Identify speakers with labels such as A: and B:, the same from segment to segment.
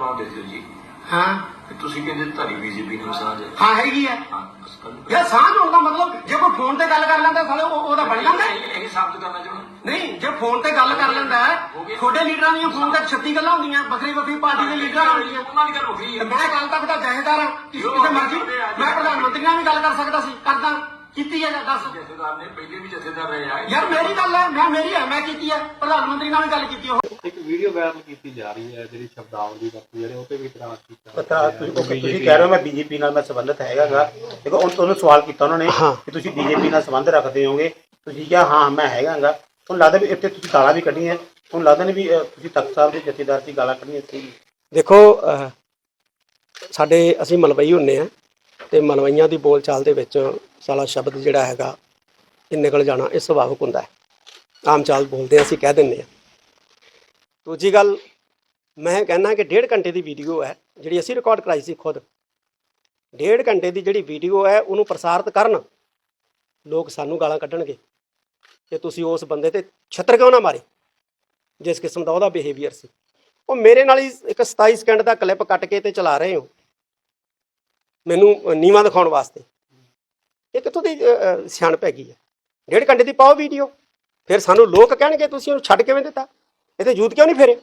A: ਅਖਬਾਰ ਦੇ ਦਿਓ ਜੀ।
B: हाँ
A: ਤੁਸੀਂ ਕਹਿੰਦੇ ਤੁਹਾਡੀ ਬੀਜੇਪੀ ਨਾਲ ਸਾਂਝ ਹੈ।
B: हाँ हैगी है
A: ਹਾਂ ਬਸ ਕਰ ਲਓ।
B: यार सांझ होने का मतलब जो कोई फोन ते गल कर लेंदा साले ओदा बन जांदा
A: ਇਹ ਸਾਬਤ ਕਰਨਾ ਚਾਹੁੰਦਾ
B: नहीं जो फोन ते गल कर लेंदा है छोटे लीडरां दी फोन ते 36 गल्लां होंदियां बखरी बखरी पार्टी दे लीडरां होंदियां
A: ਉਹਨਾਂ ਦੀ ਗੱਲ ਹੋ गई है।
B: मैं कल तक दा जहेदार हां किसे मर्जी मैं प्रधानमंत्री नाल भी गल कर सकदा सी करदा कीती है दस
A: ਜਥੇਦਾਰ ਨੇ ਪਹਿਲੇ ਵੀ ਜਥੇਦਾਰ ਰਹੇ ਆ।
B: यार मेरी गल है मैं मेरी है मैं कीती है प्रधानमंत्री नाल भी गल कीती है
C: ਇੱਕ ਵੀਡੀਓ ਵਾਇਰਲ ਕੀਤੀ ਜਾ ਰਹੀ ਹੈ ਜਿਹੜੀ ਸ਼ਬਦਾਵਲੀ ਵਰਤੀ ਜਾ ਰਹੀ ਉਹ ਤੇ ਵੀ ਇਤਰਾਜ਼ ਕੀਤਾ
D: ਪਤਾ ਤੁਸੀਂ ਕਹਿ ਰਹੇ ਹੋ ਮੈਂ ਬੀਜੇਪੀ ਨਾਲ ਮੈਂ ਸੰਬੰਧਿਤ ਹੈਗਾਗਾ ਦੇਖੋ ਉਹਨੂੰ ਸਵਾਲ ਕੀਤਾ ਉਹਨਾਂ ਨੇ ਕਿ ਤੁਸੀਂ ਬੀਜੇਪੀ ਨਾਲ ਸੰਬੰਧ ਰੱਖਦੇ ਹੋਗੇ ਤੁਸੀਂ ਕਿਹਾ ਹਾਂ ਮੈਂ ਹੈਗਾਗਾ ਤੁਹਾਨੂੰ ਲੱਗਦਾ ਵੀ ਇੱਥੇ ਤੁਸੀਂ ਗਾਲਾਂ ਵੀ ਕੱਢੀਆਂ ਤੁਹਾਨੂੰ ਲੱਗਦਾ ਨਹੀਂ ਵੀ ਤੁਸੀਂ ਤਖਤ ਸਾਹਿਬ ਦੇ ਜਥੇਦਾਰ ਦੀ ਗਾਲਾਂ ਕੱਢੀਆਂ ਸੀ।
E: ਦੇਖੋ ਸਾਡੇ ਅਸੀਂ ਮਲਵਈ ਹੁੰਦੇ ਆ ਤੇ ਮਲਵਈਆਂ ਦੀ ਬੋਲ ਚਾਲ ਦੇ ਵਿੱਚ ਸਾਲਾ ਸ਼ਬਦ ਜਿਹੜਾ ਹੈਗਾ ਇਹ ਨਿਕਲ ਜਾਣਾ ਇਹ ਸੁਭਾਵਿਕ ਹੁੰਦਾ ਹੈ। ਆਮ ਚਾਲ ਬੋਲਦੇ ਅਸੀਂ ਕਹਿ ਦਿੰਦੇ ਆ। ਦੂਜੀ ਗੱਲ ਮੈਂ ਕਹਿੰਦਾ ਕਿ 1.5 ਘੰਟੇ ਦੀ ਵੀਡੀਓ ਹੈ ਜਿਹੜੀ ਅਸੀਂ ਰਿਕਾਰਡ ਕਰਾਈ ਸੀ ਖੁਦ। 1.5 ਘੰਟੇ ਦੀ ਜਿਹੜੀ ਵੀਡੀਓ ਹੈ ਉਹਨੂੰ ਪ੍ਰਸਾਰਿਤ ਕਰਨ ਲੋਕ ਸਾਨੂੰ ਗਾਲਾਂ ਕੱਢਣਗੇ ਕਿ ਤੁਸੀਂ ਉਸ ਬੰਦੇ ਤੇ ਛੱਤਰ ਕਿਉਂ ਨਾ ਮਾਰੇ ਜਿਸ ਕਿਸਮ ਦਾ ਉਹਦਾ ਬਿਹੇਵੀਅਰ ਸੀ। ਉਹ ਮੇਰੇ ਨਾਲ ਹੀ ਇੱਕ 27 ਸਕਿੰਟ ਦਾ ਕਲਿੱਪ ਕੱਟ ਕੇ ਤੇ ਚਲਾ ਰਹੇ ਹੋ ਮੈਨੂੰ ਨੀਵਾਂ ਦਿਖਾਉਣ ਵਾਸਤੇ। ਇਹ ਕਿੱਥੋਂ ਦੀ ਸਿਆਣਪ ਹੈਗੀ ਹੈ। 1.5 ਘੰਟੇ ਦੀ ਪਾਓ ਵੀਡੀਓ ਫਿਰ ਸਾਨੂੰ ਲੋਕ ਕਹਿਣਗੇ ਤੁਸੀਂ ਉਹਨੂੰ ਛੱਡ ਕਿਵੇਂ ਦਿੱਤਾ ਇਹ ਤੇ ਯੂਥ ਕਿਉਂ ਨਹੀਂ ਫੇਰੇ।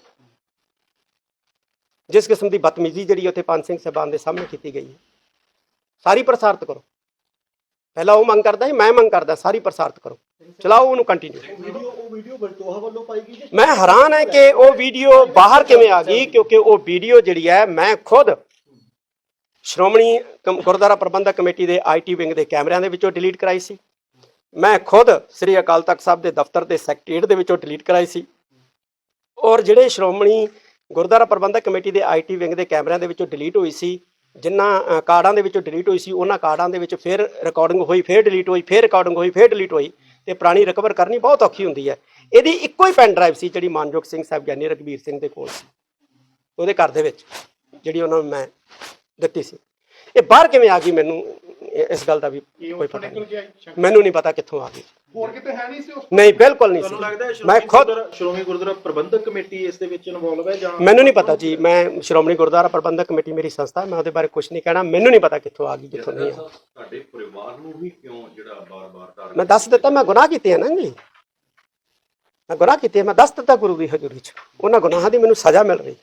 E: ਜਿਸ ਕਿਸਮ ਦੀ ਬਦਤਮੀਜ਼ੀ ਜਿਹੜੀ ਉੱਥੇ ਪੰਜ ਸਿੰਘ ਸਾਹਿਬਾਨ ਦੇ ਸਾਹਮਣੇ ਕੀਤੀ ਗਈ ਹੈ ਸਾਰੀ ਪ੍ਰਸਾਰਿਤ ਕਰੋ। ਪਹਿਲਾਂ ਉਹ ਮੰਗ ਕਰਦਾ ਸੀ ਮੈਂ ਮੰਗ ਕਰਦਾ ਸਾਰੀ ਪ੍ਰਸਾਰਿਤ ਕਰੋ ਚਲਾਓ ਉਹਨੂੰ ਕੰਟੀਨਿਊ। ਮੈਂ ਹੈਰਾਨ ਹੈ ਕਿ ਉਹ ਵੀਡੀਓ ਬਾਹਰ ਕਿਵੇਂ ਆ ਗਈ ਕਿਉਂਕਿ ਉਹ ਵੀਡੀਓ ਜਿਹੜੀ ਹੈ ਮੈਂ ਖੁਦ ਸ਼੍ਰੋਮਣੀ ਗੁਰਦੁਆਰਾ ਪ੍ਰਬੰਧਕ ਕਮੇਟੀ ਦੇ IT ਵਿੰਗ ਦੇ ਕੈਮਰਿਆਂ ਦੇ ਵਿੱਚੋਂ ਡਿਲੀਟ ਕਰਾਈ ਸੀ। ਮੈਂ ਖੁਦ ਸ੍ਰੀ ਅਕਾਲ ਤਖਤ ਸਾਹਿਬ ਦੇ ਦਫ਼ਤਰ ਦੇ ਸੈਕਟਰੀਏਟ ਦੇ ਵਿੱਚੋਂ ਡਿਲੀਟ ਕਰਾਈ ਸੀ। ਔਰ ਜਿਹੜੇ ਸ਼੍ਰੋਮਣੀ ਗੁਰਦੁਆਰਾ ਪ੍ਰਬੰਧਕ ਕਮੇਟੀ ਦੇ IT ਵਿੰਗ ਦੇ ਕੈਮਰਿਆਂ ਦੇ ਵਿੱਚੋਂ ਡਿਲੀਟ ਹੋਈ ਸੀ ਜਿਨ੍ਹਾਂ ਕਾਰਡਾਂ ਦੇ ਵਿੱਚੋਂ ਡਿਲੀਟ ਹੋਈ ਸੀ ਉਹਨਾਂ ਕਾਰਡਾਂ ਦੇ ਵਿੱਚ ਫਿਰ ਰਿਕਾਰਡਿੰਗ ਹੋਈ ਫਿਰ ਡਿਲੀਟ ਹੋਈ ਫਿਰ ਰਿਕਾਰਡਿੰਗ ਹੋਈ ਫਿਰ ਡਿਲੀਟ ਹੋਈ ਤੇ ਪੁਰਾਣੀ ਰਿਕਵਰ ਕਰਨੀ ਬਹੁਤ ਔਖੀ ਹੁੰਦੀ ਹੈ। ਇਹਦੀ ਇੱਕੋ ਹੀ ਪੈਨ ਡਰਾਈਵ ਸੀ ਜਿਹੜੀ ਮਾਨਯੋਗ ਸਿੰਘ ਸਾਹਿਬ ਗਿਆਨੀ ਰਘਬੀਰ ਸਿੰਘ ਦੇ ਕੋਲ ਸੀ ਉਹਦੇ ਘਰ ਦੇ ਵਿੱਚ ਜਿਹੜੀ ਉਹਨਾਂ ਨੂੰ ਮੈਂ ਦਿੱਤੀ ਸੀ। ਇਹ ਬਾਹਰ ਕਿਵੇਂ ਆ ਗਈ ਮੈਨੂੰ ਇਸ ਗੱਲ ਦਾ ਵੀ ਕੋਈ ਪਤਾ ਨਹੀਂ। ਮੈਨੂੰ ਨਹੀਂ ਪਤਾ ਕਿੱਥੋਂ ਆ ਗਈ।
C: ਹੋਰ ਕਿਤੇ ਹੈ ਨਹੀਂ ਸੀ ਉਸ
E: ਨਹੀਂ ਬਿਲਕੁਲ ਨਹੀਂ ਸੀ। ਮੈਂ ਖੁਦ
C: ਸ਼੍ਰੋਮਣੀ ਗੁਰਦੁਆਰਾ ਪ੍ਰਬੰਧਕ ਕਮੇਟੀ ਇਸ ਦੇ ਵਿੱਚ ਇਨਵੋਲਵ ਹੈ ਜਾਂ
E: ਮੈਨੂੰ ਨਹੀਂ ਪਤਾ ਜੀ। ਮੈਂ ਸ਼੍ਰੋਮਣੀ ਗੁਰਦੁਆਰਾ ਪ੍ਰਬੰਧਕ ਕਮੇਟੀ ਮੇਰੀ ਸੰਸਥਾ ਮੈਂ ਉਹਦੇ ਬਾਰੇ ਕੁਝ ਨਹੀਂ ਕਹਿਣਾ। ਮੈਨੂੰ ਨਹੀਂ ਪਤਾ ਕਿੱਥੋਂ ਆ ਗਈ ਕਿੱਥੋਂ ਨਹੀਂ।
C: ਤੁਹਾਡੇ ਪਰਿਵਾਰ ਨੂੰ ਵੀ ਕਿਉਂ ਜਿਹੜਾ ਬਾਰ-ਬਾਰ
E: ਮੈਂ ਦੱਸ ਦਿੱਤਾ ਮੈਂ ਗੁਨਾਹ ਕੀਤੇ ਆ ਨਾ ਜੀ। ਮੈਂ ਗੁਨਾਹ ਕੀਤੇ ਮੈਂ ਦੱਸ ਦਿੱਤਾ ਗੁਰੂ ਦੀ ਹਜ਼ੂਰੀ 'ਚ ਉਹਨਾਂ ਗੁਨਾਹਾਂ ਦੀ ਮੈਨੂੰ ਸਜ਼ਾ ਮਿਲ ਰਹੀ।